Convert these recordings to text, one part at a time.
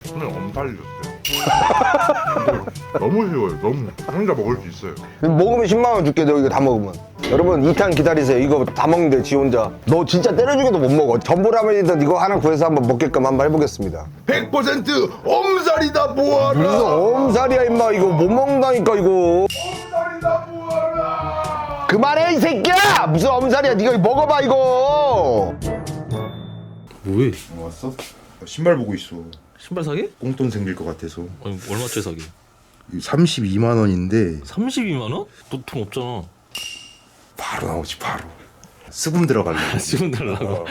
오늘 엄살이었어요. 너무 쉬워요. 너무 혼자 먹을 수 있어요. 먹으면 10만 원 줄게. 너 이거 다 먹으면. 여러분 2탄 기다리세요. 이거 다 먹는데 지 혼자. 너 진짜 때려주기도 못 먹어. 전보라면이든 이거 하나 구해서 한번 먹게끔 한번 해보겠습니다. 100% 엄살이다 뭐하라. 무슨 엄살이야 임마. 이거 못 먹는다니까 이거. 엄살이다 뭐하라. 그만해 이 새끼야. 무슨 엄살이야. 네가 이거 먹어봐 이거. 뭐해? 왔어? 신발 보고 있어. 신발 사게? 꽁돈 생길 것 같아서. 아니 얼마짜리 사게? 32만 원인데 32만 원? 너 돈 없잖아. 바로 나오지 바로. 수금 들어갈래. 지금 달라고.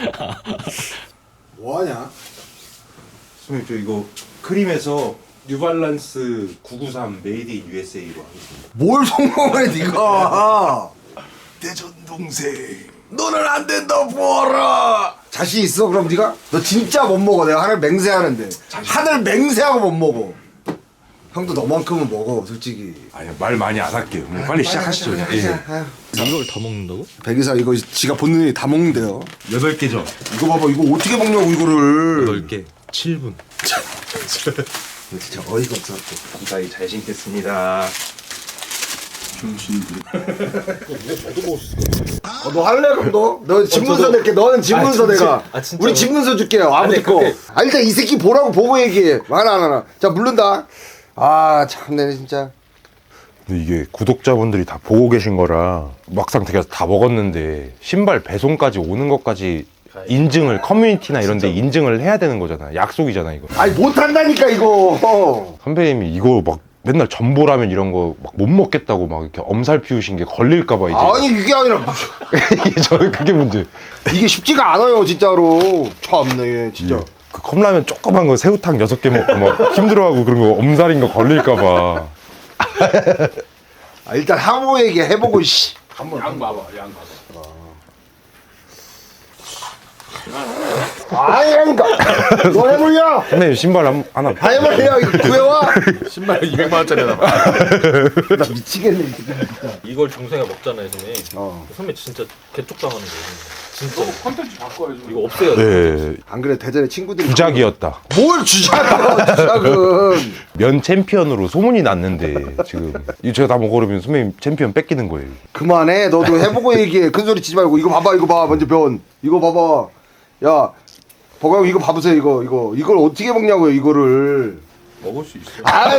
뭐하냐? 선생님 저 이거 크림에서 뉴발란스 993 메이드 인 USA로 하겠습니다. 뭘 성공해 네가? 대전 동생 너는 안 된다 보아라. 자신 있어? 그럼 네가? 너 진짜 못 먹어. 내가 하늘 맹세하는데 하늘 맹세하고 못 먹어. 형도 너만큼은 먹어 솔직히. 아니 말 많이 안 할게요. 그냥 빨리 시작하시죠 그냥. 예. 이걸 다 먹는다고? 백이사 이거 지가 본능이 다 먹는데요. 8개죠. 이거 봐봐 이거 어떻게 먹냐고 이거를. 10개 7분. 이거 진짜 어이가 없어. 무사히 잘 신겠습니다. 너 할래 그럼 너? 너 집문서 낼게. 너는 집문서 내가. 진짜로? 우리 집문서 줄게요. 아버지 거. 아 일단 이 새끼 보라고 보고 얘기해. 하나. 자 물른다. 아 참내 진짜. 근데 이게 구독자분들이 다 보고 계신 거라 막상 되게 다 먹었는데 신발 배송까지 오는 것까지 인증을 커뮤니티나 이런 데 인증을 해야 되는 거잖아. 약속이잖아 이거. 아니 못한다니까 이거. 선배님이 이거 막 맨날 전보라면 이런 거 막 못 먹겠다고 막 이렇게 엄살 피우신 게 걸릴까 봐 이제. 아니 이게 아니라 이게 저는 그게 문제. 이게 쉽지가 않아요 진짜로. 참네 진짜. 그 컵라면 조그만 거 새우탕 6개 먹고 막 힘들어하고 그런 거 엄살인 거 걸릴까 봐. 아, 일단 항모 얘기 해보고 씨. 양 봐봐. 아니라니까. 너 해물려. 선배님 신발 하나 다 해물려. 이거 구해와. 신발 200만 원짜리다. 나 미치겠네 진짜. 이걸 중생이 먹잖아요, 선배. 어. 선배 진짜 개쪽당하는 거예요. 진짜. 컨텐츠 바꿔야지. 이거 없애야 돼. 네, 안 그래 대전에 친구들이. 주작이었다. 뭘 주작이야 주작은. 면 챔피언으로 소문이 났는데 지금 이거 제가 다 먹어버리면 선배님 챔피언 뺏기는 거예요. 그만해. 너도 해보고 얘기해. 큰 소리 치지 말고. 이거 봐봐 이거 봐. 먼저 면. 이거 봐봐. 야. 버가 형 이거 봐보세요 이거. 이걸 어떻게 먹냐고요 이거를. 먹을 수 있어. 아이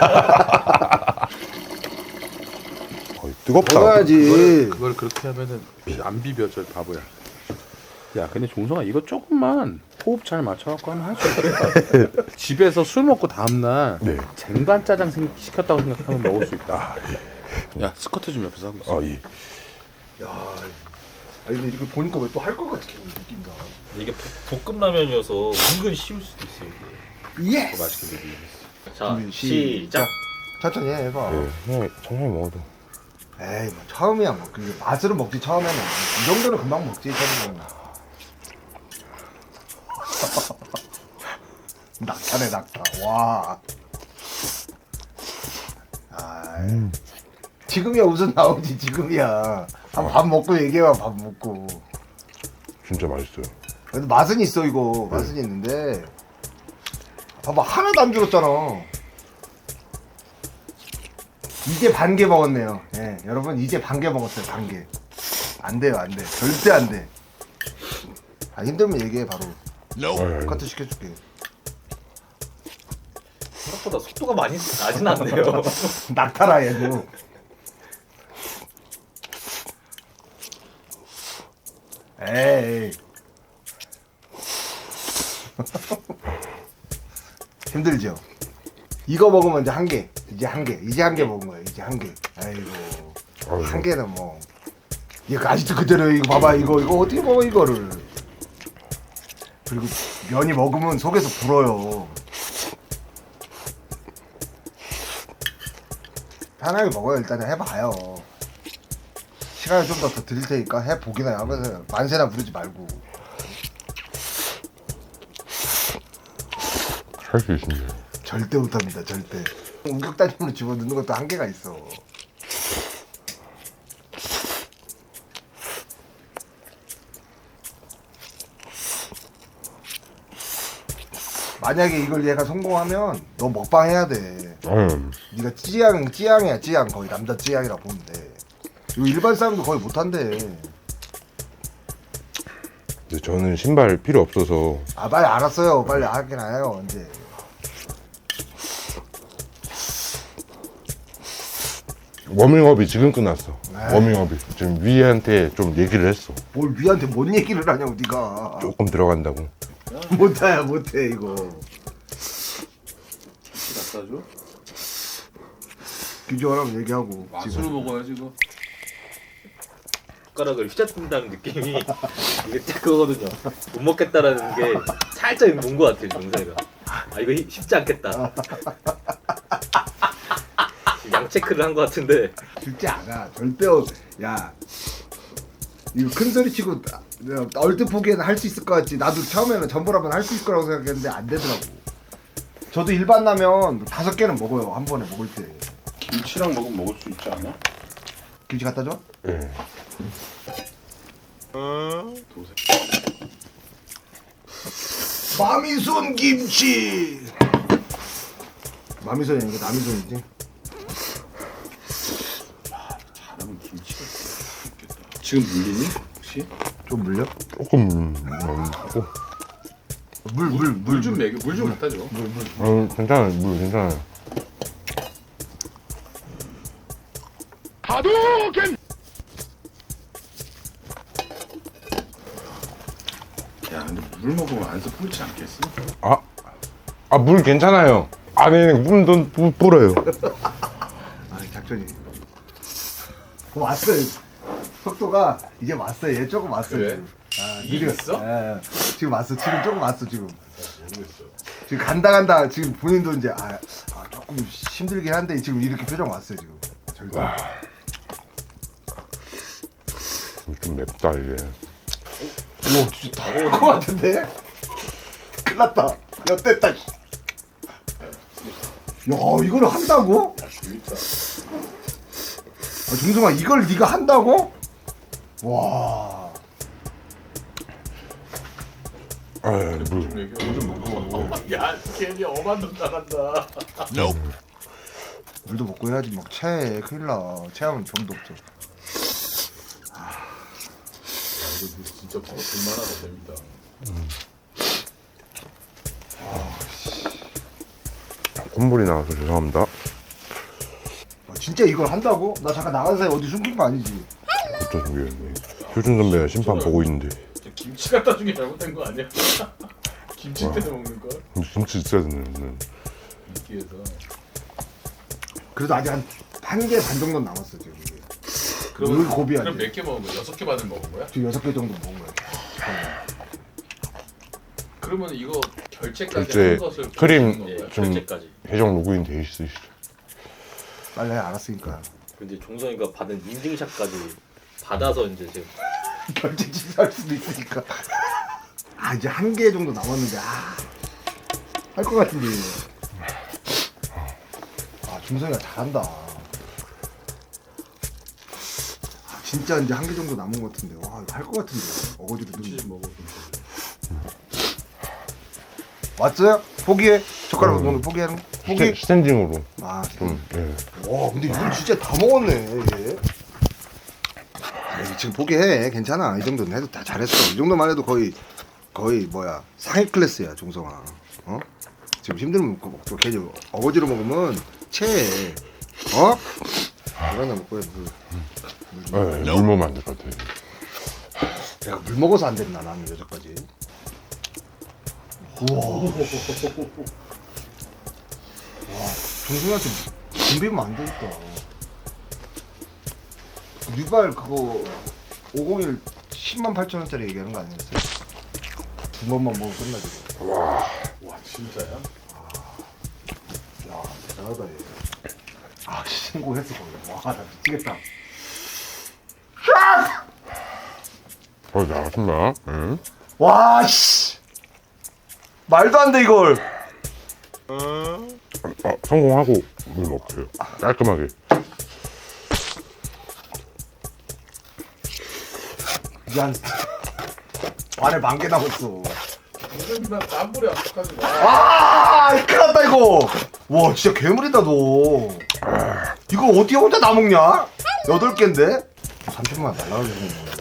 뜨겁다. 먹어야지. 그걸 그렇게 하면은 안 비벼져 바보야. 야 근데 종성아 이거 조금만 호흡 잘 맞춰갖고 하면 할 수 있겠다. 집에서 술 먹고 다음날 네. 쟁반 짜장 시켰다고 생각하면 먹을 수 있다. 야 스쿼트 좀 옆에서 하고 있어. 아, 예. 아니 근데 이렇게 보니까 왜 또 할 것 같아 느낌다. 이게 볶음라면이어서 은근 쉬울 수도 있어요. 이게. 예스. 맛있게 비비. 자, 시작. 천천히 해봐. 네, 그냥 천천히 먹어도. 에이 뭐 처음이야 뭐 그 맛으로 먹지 처음에는 이 정도는 금방 먹지 처음에는. 낙타네 낙타. 와. 지금이야 웃음 나오지 지금이야. 한 밥 먹고 얘기해봐 밥 먹고. 진짜 맛있어요. 그래도 맛은 있어 이거 맛은 있는데 봐봐 하나도 안 줄었잖아. 이제 반 개 먹었네요. 예, 여러분 이제 반 개 먹었어요. 반 개. 안 돼요, 안 돼. 절대 안 돼. 아 힘들면 얘기해 바로. 카트 시켜줄게. 생각보다 속도가 많이 나진 않네요. 낙타라 얘도. 에이. 힘들죠. 이거 먹으면 이제 한 개. 이제 한 개 먹은 거야. 이제 한 개. 아이고. 한 개는 뭐. 이거 아직도 그대로 이거 봐봐 이거 어떻게 먹어 이거를. 그리고 면이 먹으면 속에서 불어요. 편하게 먹어요. 일단 해봐요. 시간을 좀 더 드릴 테니까 해보기나 하면서 만세나 부르지 말고. 할 수 있습니다. 절대 못합니다. 절대. 우격단임으로 집어넣는 것도 한계가 있어. 만약에 이걸 얘가 성공하면 너 먹방 해야 돼. 네가 찌양이야 찌양. 거의 남자 찌양이라 보면 돼. 이거 일반 사람도 거의 못한대. 근데 저는 신발 필요 없어서 아 빨리 알았어요. 빨리 하긴 해요 언제. 워밍업이 지금 끝났어. 에이. 워밍업이 지금 위한테 좀 얘기를 했어. 뭘 위한테 뭔 얘기를 하냐고 네가. 조금 들어간다고. 못해 못해 이거. 갖다 줘? 규정하라면 얘기하고. 맛으로 먹어야지 이거. 숟가락을 휘젓는다는 느낌이 이게 딱 그거거든요. 못 먹겠다라는 게 살짝 본 것 같아요, 정세가. 아 이거 쉽지 않겠다. 양 체크를 한 것 같은데. 쉽지 않아. 절대 야 이거 큰 소리 치고 얼뜻 보기에는 할 수 있을 것 같지. 나도 처음에는 전보라면 할 수 있을 거라고 생각했는데 안 되더라고. 저도 일반 라면 5개는 먹어요 한 번에 먹을 때. 김치랑 먹으면 먹을 수 있지 않아? 김치 갖다 줘? 예. 마미손 김치. 마미손이 아니고 남이손이지. 잘하면 김치가 있겠다. 지금 물리니? 혹시? 좀 물려? 조금 물 좀 먹여. 물 좀 갖다 줘. 괜찮아요. 물 괜찮아요. 야 근데 물 먹으면 안서 뿌리지 않겠어? 물 괜찮아요. 아니 물도 불어요. 아 작전이. 왔어요. 속도가 이제 왔어요. 얘 조금 왔어요. 그래? 지금. 아, 이겼어? 예, 지금 왔어. 지금 조금 왔어 지금. 지금 간다 지금 본인도 이제 조금 힘들긴 한데 지금 이렇게 표정 왔어요 지금. 절대. 좀 맵다 이게. 오 진짜 다 먹을 것 같은데? 큰일 났다. 엿됐다. 야 이걸 한다고? 중성아 이걸 네가 한다고? 와. 물. 야 괜히 엄한 놈 나간다. 물도 먹고 해야지 막 체해. 큰일 나. 체하면 정도 없죠. 이거 진짜 볼만하다 재밌다. 콧물이 나와서 죄송합니다. 진짜 이걸 한다고? 나 잠깐 나간 사이 어디 숨긴 거 아니지? 어쩌 준비했네. 효준 선배가 심판 보고 있는데 김치 갖다 준 게 잘못된 거 아니야? 김치 때문에 먹는 거? 김치 있어야 되는. 이끼에서. 그래도 아직 한 개 반 정도 남았어 지금 이게. 그럼 고비야. 그럼 몇 개 먹은 거야? 6개 반을 먹은 거야? 지금 6개 정도 먹은 거야. 그러면 이거 결제까지 결제 한 것을 크림 보여주는 건가요? 좀 결제까지. 계정 로그인 돼 있으시죠? 빨리 해, 알았으니까. 근데 종성이가 받은 인증샷까지 받아서 이제 지금 결제 취소할 수도 있으니까. 이제 한 개 정도 남았는데 할 것 같은데. 중성이가 잘한다. 진짜 이제 한 개 정도 남은 것 같은데. 와 이거 할 것 같은데. 어거지로 김치 좀 먹어. 왔어요? 포기해. 젓가락 오늘 포기하는 거? 포기? 스탠딩으로 좀. 예. 와 근데 이건 진짜 다 먹었네 얘. 지금 포기해. 괜찮아. 이 정도는 해도 다 잘했어. 이 정도만 해도 거의 뭐야 상위 클래스야 종성아. 지금 힘들면 먹고 괜히 어거지로 먹으면 체해. 이거 하나 먹고 해. 물 먹으면 안 될 것 같아요. 내가 물 먹어서 안 됐나 나는 여기까지. 우와. 종성이한테 준비면 안 되겠다. 뉴발 그거 501 108,000원짜리 얘기하는 거 아니었어요? 두 번만 먹으면 끝나지. 와 진짜야? 야 대단하다 얘. 신고했어 거기. 와 나 미치겠다. 나왔습니다. 응? 와 씨. 말도 안 돼 이걸. 성공하고 물 먹어요. 깔끔하게. 미안. 안에 10,000개 남았어. 나 땀불이 압박하지 마. 아, 큰일 났다 이거. 와, 진짜 괴물이다 너. 이거 어떻게 혼자 다 먹냐? 8개인데? 30만 날라가게 생긴 거야.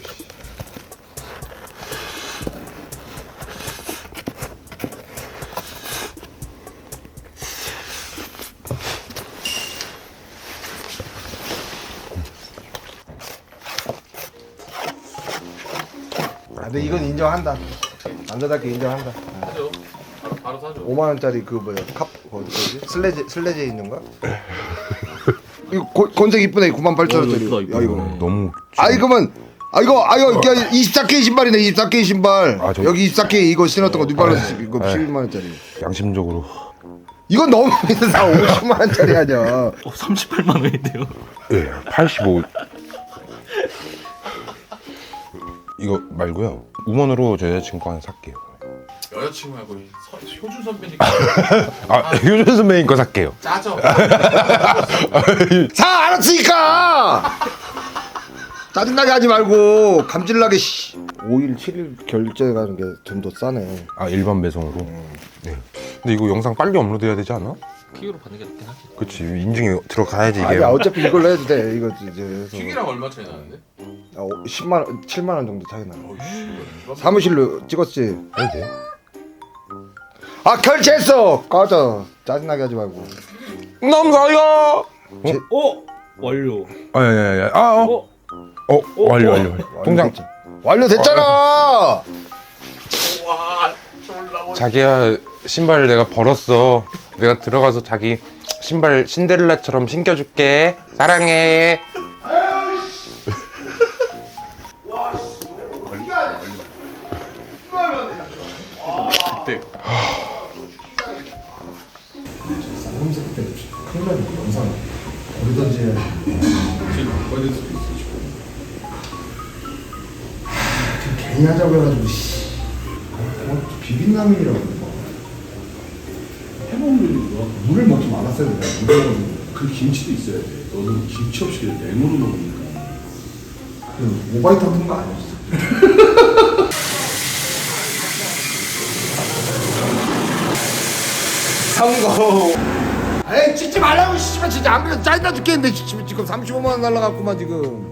아, 근데 이건 인정한다. 남자답게 인정한다. 사죠. 바로 사죠. 5만 원짜리 그 뭐야 뭐지? 슬래제 있는가? 이거 건색 이쁘네. 98,000원짜리. 이쁘다, 야 이거. 너무 아 이거면 이거 24K 신발이네. 24K 신발. 아, 저- 여기 24K 이거 신었던 거 뉴발란스 이거 12만 원짜리. 양심적으로 이건 너무 비싸. 50만 원짜리 아니야. 38만 원인데요. 예, 85 이거 말고요. 우먼으로 제 여자친구 거 하나 살게요. 여자친구 말고 효준 선배님 아, 효준 선배님 거 살게요. 짜져. 사 알았으니까. 짜증나게 하지 말고 감질나게 5일 7일 결제 가는 게 좀 더 싸네. 아, 일반 배송으로. 네. 근데 이거 영상 빨리 업로드해야 되지 않아? 킥으로 받는 게 낫긴 하지. 그치, 인증이 들어가야지 이게. 아니 어차피 이걸로 해도 돼. 이거 이제 해서. 킥이랑 얼마 차이 나는데? 10만 원, 7만 원 정도 차이 나. 사무실로 찍었지. 해도 돼? 아 결제했어. 꺼져. 짜증나게 하지 말고. 감사해요. 완료. 아야야야. 아, 완료. 통장. 완료됐잖아. 자기야, 신발 내가 벌었어. 내가 들어가서 자기 신발 신데렐라처럼 신겨줄게. 사랑해. 괜히 하자고 해가지고 비빔라면이라고 해먹는 거 물을 먹지 말았어야 돼. 물을 먹는 그 김치도 있어야 돼. 너는 김치 없이 그냥 냉으로 먹으니까. 그 오바이트 같은 거 아니었어. 성공. 에이 찍지 말라고 씨발 진짜 안 그래도 짜증나 죽겠는데 지금 35만 원 날라갔구만 지금.